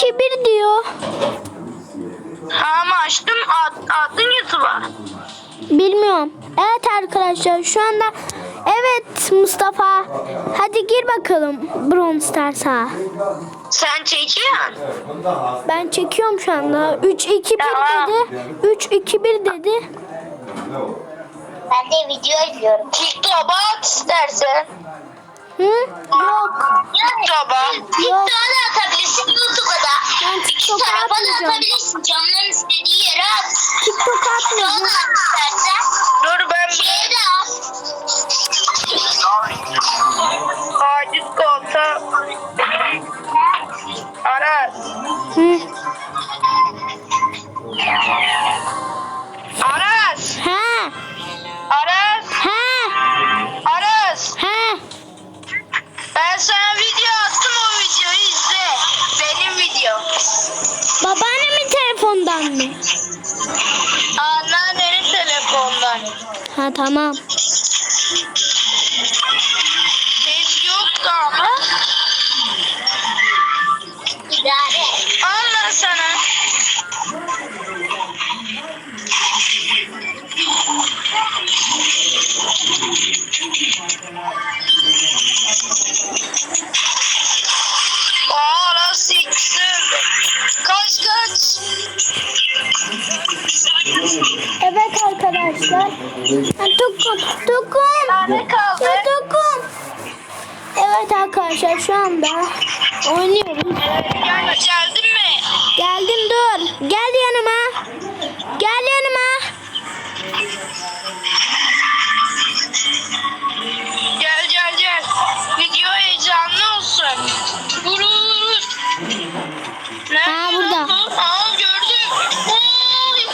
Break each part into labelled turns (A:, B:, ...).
A: 3-2-1 diyor.
B: Ama açtım attın YouTube'a.
A: Bilmiyorum. Evet arkadaşlar şu anda evet Mustafa. Hadi gir bakalım Brawl Stars'a.
B: Sen çekiyorsun.
A: Ben çekiyorum şu anda. 3-2-1
B: Tamam.
A: dedi. 3-2-1 dedi.
C: Ben de video izliyorum.
B: TikTok'a at istersen.
A: Hı? Yok.
B: TikTok'a.
C: TikTok'a da atabilirsin, YouTube'a da.
A: Ben
C: İki
A: TikTok'a
C: tarafa da
A: atmayacağım.
C: atabilirsin. Canların istediği yere at.
A: TikTok'a
C: TikTok'a
A: atmayacağım.
C: da at istersen.
B: Dur ben
C: Şeye de at.
B: acil kolta. Aras.
A: Hı.
B: Aras.
A: Ha.
B: Aras.
A: Ha.
B: Aras.
A: Ha.
B: Ben sana video attım, o videoyu izle. Benim video.
A: Babaannemin telefondan mı?
B: Anneannenin telefondan.
A: Ha tamam.
B: Ses yoktu ama.
C: İdare.
B: Allah sana. Aras ikisi. Kaç.
A: Evet arkadaşlar. Tukun.
B: Ne kaldı?
A: Tukun. Evet arkadaşlar şu anda oynuyoruz.
B: Geldin mi?
A: Geldim dur. Gel yanıma. Gel yanıma.
B: Gel. Video heyecanlı olsun. Vurur.
A: Ha, burada.
B: Aa gördüm. Oy.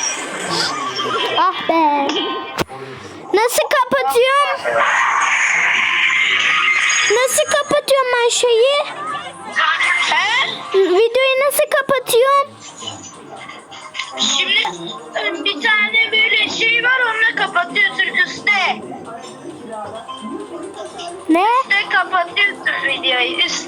A: Ah be. Nasıl kapatıyorum? Nasıl kapatıyorum ben şeyi?
B: He?
A: Videoyu nasıl kapatıyorum?
B: Şimdi bir tane böyle şey var, onunla kapatıyorsun üstte.
A: Ne?
B: Üstte kapatıyorsun videoyu. Üstte.